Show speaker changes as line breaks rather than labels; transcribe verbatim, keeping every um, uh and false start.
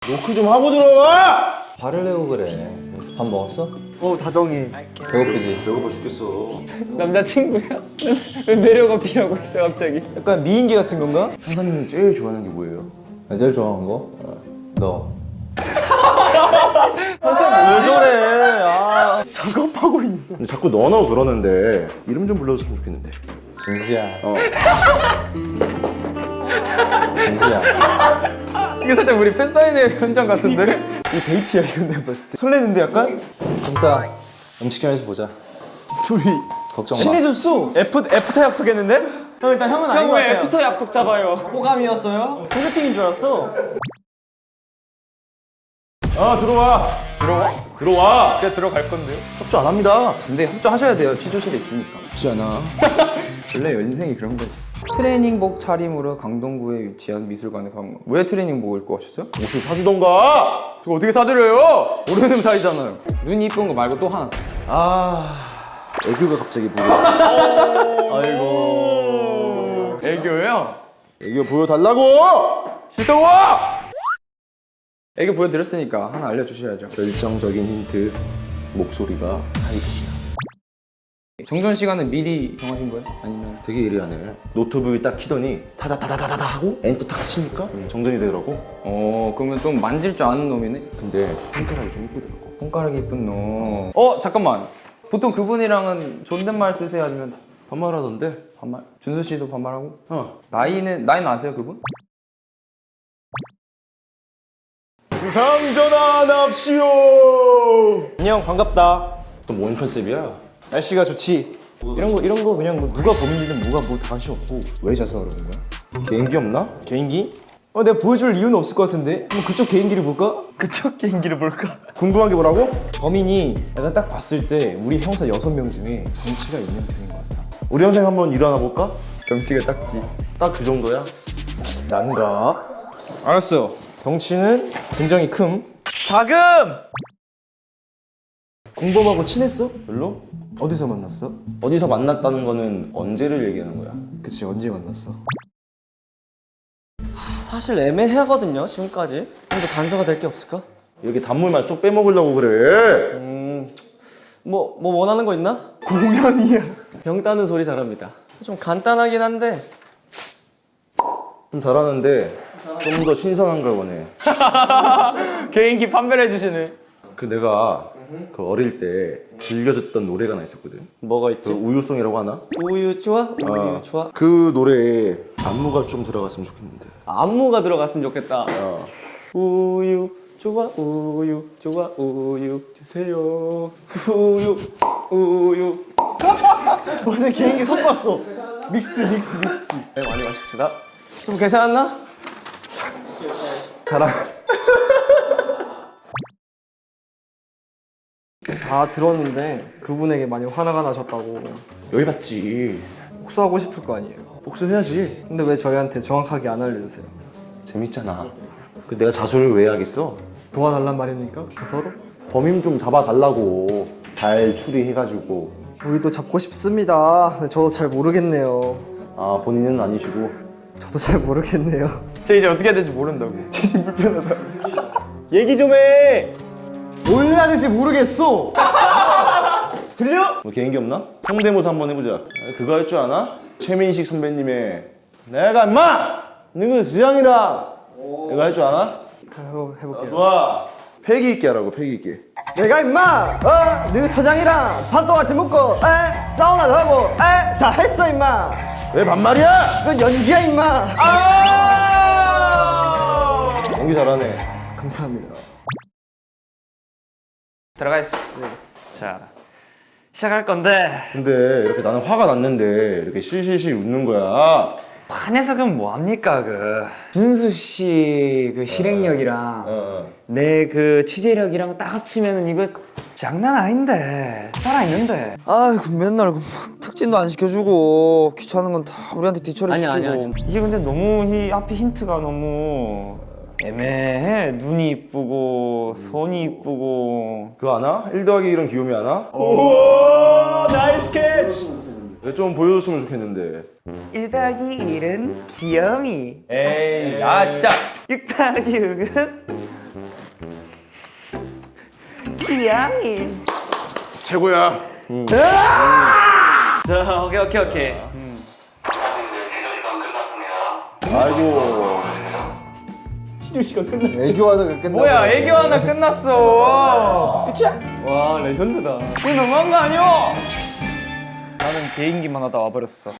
노크 좀 하고 들어와!
화를 내고 그래. 밥 먹었어?
어 다정해.
배고프지?
배고파 죽겠어.
남자친구야? 왜 매력 어필하고 있어 갑자기?
약간 미인계 같은 건가?
상사님 제일 좋아하는 게 뭐예요?
나 제일 좋아하는 거? 너.
왜 저래? 아.
작업하고 있는. 근데 자꾸 너너 그러는데 이름 좀 불러줬으면 좋겠는데.
진수야.
어.
진수야.
이게 살짝 우리 팬사인회 현장 같은데?
이 데이트야 이건 내가 봤을 때. 설레는데 약간?
좀 이따 음식점에서 보자.
둘이
걱정 마.
친해졌어. 애프, 애프터 약속했는데? 형 일단 형은 아닌 것 같아요.
애프터 약속 잡아요.
호감이었어요? 소개팅인 줄 알았어.
아 들어와.
들어와?
들어와.
제가 들어갈 건데요?
협조 안 합니다.
근데 협조하셔야 돼요. 취조실에 있으니까.
쉽지 않아.
원래 인생이 그런 거지. 트레이닝복 차림으로 강동구에 위치한 미술관에 방문. 왜 트레이닝복을 입고 오셨어요?
옷을 사주던가.
저 어떻게 사드려요? 모르는 사이잖아요. 눈이 이쁜 거 말고 또 하나. 아,
애교가 갑자기 보여.
아이고. 애교요?
애교 보여달라고.
싫다고! 와! 애교 보여드렸으니까 하나 알려주셔야죠.
결정적인 힌트. 목소리가 하이톤이야.
정전 시간은 미리 정하신 거예요? 아니면?
되게 예리하네. 노트북을 딱 키더니 타다타다다다 하고 엔터 딱 치니까 정전이 되더라고.
어, 그러면 좀 만질 줄 아는 놈이네?
근데 손가락이 좀 이쁘더라고.
손가락이 이쁜 놈. 어, 잠깐만. 보통 그분이랑은 존댓말 쓰세요? 아니면
반말하던데.
반말? 준수 씨도 반말하고?
어.
나이는, 나이는 아세요, 그분?
주상전환합시오.
안녕 반갑다.
또 뭔 컨셉이야?
날씨가 좋지. 이런 거 이런 거 그냥 뭐 누가 범인이든 뭐가 뭐 다 관심 없고.
왜 자서 그러는 거야?
개인기 없나?
개인기? 어 내가 보여줄 이유는 없을 것 같은데. 그럼 그쪽 개인기를 볼까?
그쪽 개인기를 볼까?
궁금한 게 뭐라고?
범인이 내가 딱 봤을 때 우리 형사 여섯 명 중에 덩치가 있는 편인 것 같아.
우리 형생 한번 일어나 볼까?
경치가 작지.
딱 그 정도야?
난가? 알았어. 덩치는 굉장히 큼.
자금!
공범하고 친했어?
별로?
어디서 만났어?
어디서 만났다는 거는 언제를 얘기하는 거야?
그치 언제 만났어?
사실 애매하거든요 지금까지. 좀 더 단서가 될 게 없을까?
이렇게 단물만 쏙 빼먹으려고 그래.
음... 뭐, 뭐 원하는 거 있나?
공연이야.
병 따는 소리 잘합니다. 좀 간단하긴 한데
좀 잘하는데 좀 더 신선한 걸 원해.
개인기 판별해 주시네.
그 내가 그 어릴 때 즐겨 듣던 노래가 하나 있었거든.
뭐가
그
있지?
우유송이라고 하나?
우유 좋아? 우유
어.
좋아?
그 노래에 안무가 좀 들어갔으면 좋겠는데.
안무가 들어갔으면 좋겠다.
어.
우유 좋아 우유 좋아 우유 주세요. 우유 우유.
완전 개인기 섞었어. 믹스 믹스 믹스.
네, 많이 마십시다. 좀 괜찮았나?
자랑.
다 들었는데 그분에게 많이 화나가 나셨다고.
여기 봤지.
복수하고 싶을 거 아니에요.
복수해야지.
근데 왜 저희한테 정확하게 안 알려주세요?
재밌잖아. 그 내가 자수를 왜 하겠어?
도와달란 말입니까? 서로?
범인 좀 잡아달라고. 잘 추리해가지고.
우리도 잡고 싶습니다. 근데 저도 잘 모르겠네요.
아 본인은 아니시고.
저도 잘 모르겠네요.
저 이제 어떻게 해야 될지 모른다고.
진심 불편하다. 얘기 좀 해. 뭘 해야 될지 모르겠어. 들려?
뭐 개인기 없나? 성대모사 한번 해보자. 아, 그거 할 줄 아나? 최민식 선배님의 내가 임마! 너그 수장이랑 이거 할 줄 아나?
해보- 해볼게요.
좋아. 패기 있게 하라고 패기 있게.
내가 임마! 어? 너 사장이랑 밥도 같이 먹고 에? 사우나도 하고 에? 다 했어 임마!
왜 반말이야?
그건 연기야 임마!
연기 잘하네.
감사합니다.
들어가 있어. 자, 시작할 건데.
근데 이렇게 나는 화가 났는데 이렇게 실실실 웃는 거야.
반에서 그럼 뭐 합니까 그 준수 씨 그 실행력이랑
어,
내 그 취재력이랑 딱 합치면은 이거 장난 아닌데 살아 있는데.
아이고 맨날 그 특진도 안 시켜주고 귀찮은 건 다 우리한테 뒤처리
아니야,
시키고.
아니야, 아니야.
이게 근데 너무 이 앞에 힌트가 너무 애매해. 눈이 이쁘고 손이 이쁘고.
그거 아나? 일 더하기 일은 귀요미 아나?
오 나이스 캐치.
이거 좀 보여줬으면 좋겠는데.
일 더하기 일은 귀염이. 에이, 아 진짜. 육 더하기 육은
지향이.
최고야.
자 오케이 오케이 오케이.
아이고.
애교하다가 끝나.
뭐야 애교 하나 끝났어.
와 레전드다.
이거 너무한 거 아니야? 나는 개인기만 하다 와버렸어.